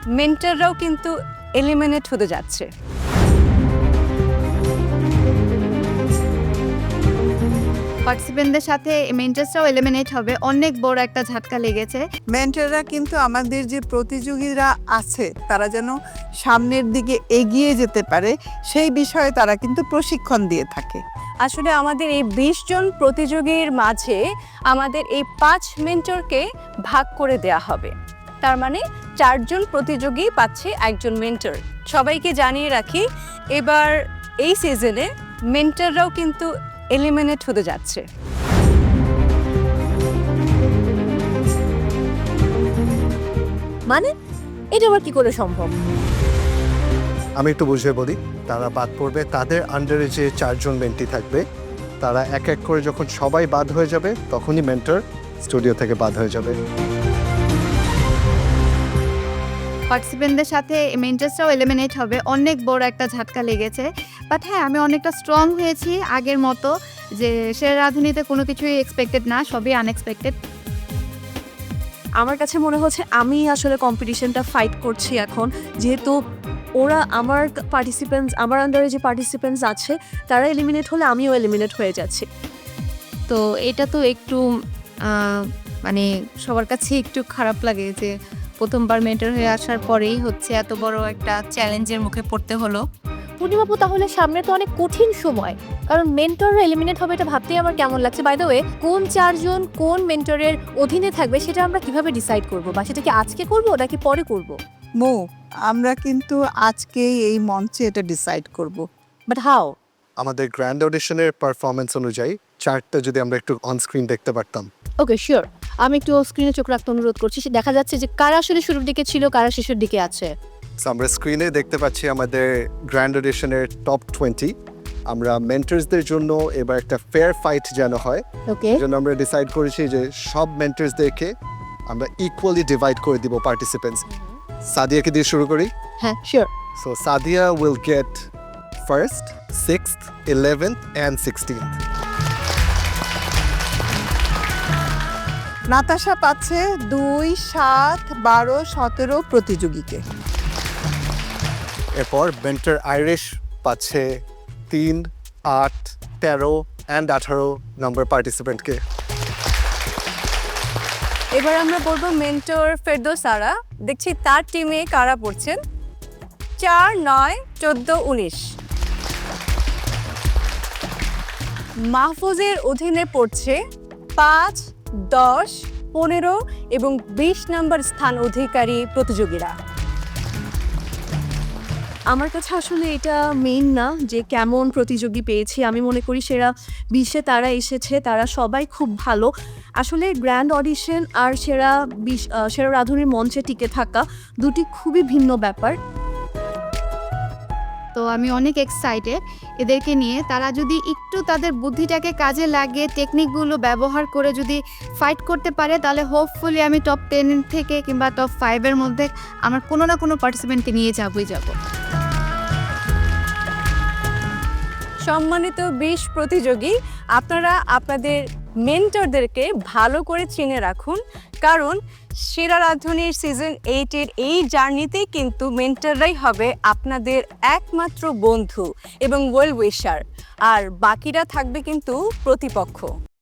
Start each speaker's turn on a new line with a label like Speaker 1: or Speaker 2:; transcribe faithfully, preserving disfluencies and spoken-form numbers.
Speaker 1: মেন্টররাও কিন্তু এলিমিনেট হতে যাচ্ছে।
Speaker 2: পার্টিসিপেন্টদের সাথে মেন্টার্সরাও এলিমিনেট হবে, অনেক বড় একটা ঝাটকা লেগেছে।
Speaker 3: মেন্টররা কিন্তু আমাদের যে প্রতিযোগীরা আছে তারা যেন সামনের দিকে এগিয়ে যেতে পারে সেই বিষয়ে তারা কিন্তু প্রশিক্ষণ দিয়ে থাকে।
Speaker 1: আসলে আমাদের এই বিশ জন প্রতিযোগীর মাঝে আমাদের এই পাঁচ মেন্টরকে ভাগ করে দেয়া হবে। তার মানে চারজন প্রতিযোগী পাচ্ছে একজন মেন্টর। সবাইকে জানিয়ে রাখি, এবার এই সিজনে মেন্টররাও কিন্তু এলিমিনেট হতে যাচ্ছে।
Speaker 4: মানে এটা আবার কি করে সম্ভব?
Speaker 5: আমি একটু বুঝিয়ে বলি। তারা বাদ পড়বে, তাদের আন্ডারে যে চারজন মেন্টি থাকবে তারা এক এক করে যখন সবাই বাদ হয়ে যাবে তখনই মেন্টর স্টুডিও থেকে বাদ হয়ে যাবে।
Speaker 2: পার্টিসিপেন্টদের সাথে মেন্টার্সরাও এলিমিনেট হবে, অনেক বড় একটা ঝাটকা লেগেছে। বাট হ্যাঁ, আমি অনেকটা স্ট্রং হয়েছি আগের মতো, যে সেরা রাঁধুনিতে কোনো কিছুই এক্সপেক্টেড না, সবই আনএক্সপেক্টেড।
Speaker 4: আমার কাছে মনে হচ্ছে আমি আসলে কম্পিটিশনটা ফাইট করছি এখন, যেহেতু ওরা আমার পার্টিসিপেন্টস আমার আন্ডারে যে পার্টিসিপেন্টস আছে তারা এলিমিনেট হলে আমিও এলিমিনেট হয়ে যাচ্ছি।
Speaker 2: তো এটা তো একটু আহ, মানে সবার কাছে একটু খারাপ লাগে যে প্রথমবার মেন্টর হয়ে আসার পরেই হচ্ছে এত বড় একটা চ্যালেঞ্জের মুখে পড়তে হলো।
Speaker 4: পূর্ণিমাপু, তাহলে সামনে তো অনেক কঠিন সময়, কারণ মেন্টররা এলিমিনেট হবে, এটা ভাবতেই আমার কেমন লাগছে। বাই দ্য ওয়ে, কোন চারজন কোন মেন্টরের অধীনে থাকবে সেটা আমরা কিভাবে ডিসাইড করব, বা সেটা কি আজকে করব নাকি পরে করব?
Speaker 3: মো আমরা কিন্তু আজকেই এই মঞ্চে এটা ডিসাইড করব।
Speaker 4: But how?
Speaker 5: আমাদের গ্র্যান্ড অডিশনের পারফরমেন্স অনুযায়ী চারটা যদি আমরা একটু অন স্ক্রিন দেখতে পারতাম।
Speaker 4: Okay, sure. আমি একটু স্ক্রিনে চোখ রাখতে অনুরোধ করছি। সে দেখা যাচ্ছে যে কারা আসলে শুরুর দিকে ছিল, কারা শেষের দিকে আছে।
Speaker 5: So, আমরা স্ক্রিনে দেখতে পাচ্ছি আমাদের গ্র্যান্ড অডিশনের টপ টোয়েন্টি। আমরা মেন্টরসদের জন্য এবার একটা ফেয়ার ফাইট যেন হয়,
Speaker 4: ওকে,
Speaker 5: এই জন্য আমরা ডিসাইড করেছি যে সব মেন্টরসদেরকে আমরা ইকুয়ালি ডিভাইড করে দিব পার্টিসিপেন্টস। সাদিয়াকে দিয়ে শুরু করি।
Speaker 4: হ্যাঁ sure.
Speaker 5: So Sadia will get first, sixth, eleventh and sixteenth.
Speaker 3: Natasha পাচ্ছে দুই, সাত, বারো, সতেরো প্রতিযোগীকে।
Speaker 5: এরপর বেন্টার আইরিশ পাচ্ছে তিন, আট, তেরো অ্যান্ড আঠারো নম্বর পার্টিসিপেন্টকে।
Speaker 1: এবার আমরা বলবো মেন্টর ফেরদৌসারা। দেখছি তার টিমে কারা পড়ছেন। চার, নয়, চোদ্দ, উনিশ। মাহফুজের অধীনে পড়ছে পাঁচ, দশ, পনেরো এবং বিশ নম্বর স্থান অধিকারী প্রতিযোগীরা।
Speaker 4: আমার কাছে আসলে এটা মেইন না যে কেমন প্রতিযোগী পেয়েছি। আমি মনে করি সেরা বিশে তারা এসেছে, তারা সবাই খুব ভালো। আসলে গ্র্যান্ড অডিশন আর সেরা বিশ সেরা রাঁধুনির মঞ্চে টিকে থাকা দুটি খুবই ভিন্ন ব্যাপার।
Speaker 2: তো আমি অনেক এক্সাইটেড এদেরকে নিয়ে। তারা যদি একটু তাদের বুদ্ধিটাকে কাজে লাগিয়ে টেকনিকগুলো ব্যবহার করে যদি ফাইট করতে পারে, তাহলে হোপফুলি আমি টপ টেন থেকে কিংবা টপ ফাইভের মধ্যে আমার কোনো না কোনো পার্টিসিপেন্টকে নিয়ে যাবই যাব।
Speaker 1: সম্মানিত বিশ প্রতিযোগী, আপনারা আপনাদের মেন্টরদেরকে ভালো করে চিনে রাখুন, কারণ সেরা রাঁধুনির সিজন এইটের এই জার্নিতেই কিন্তু মেন্টররাই হবে আপনাদের একমাত্র বন্ধু এবং ওয়েল উইশার, আর বাকিরা থাকবে কিন্তু প্রতিপক্ষ।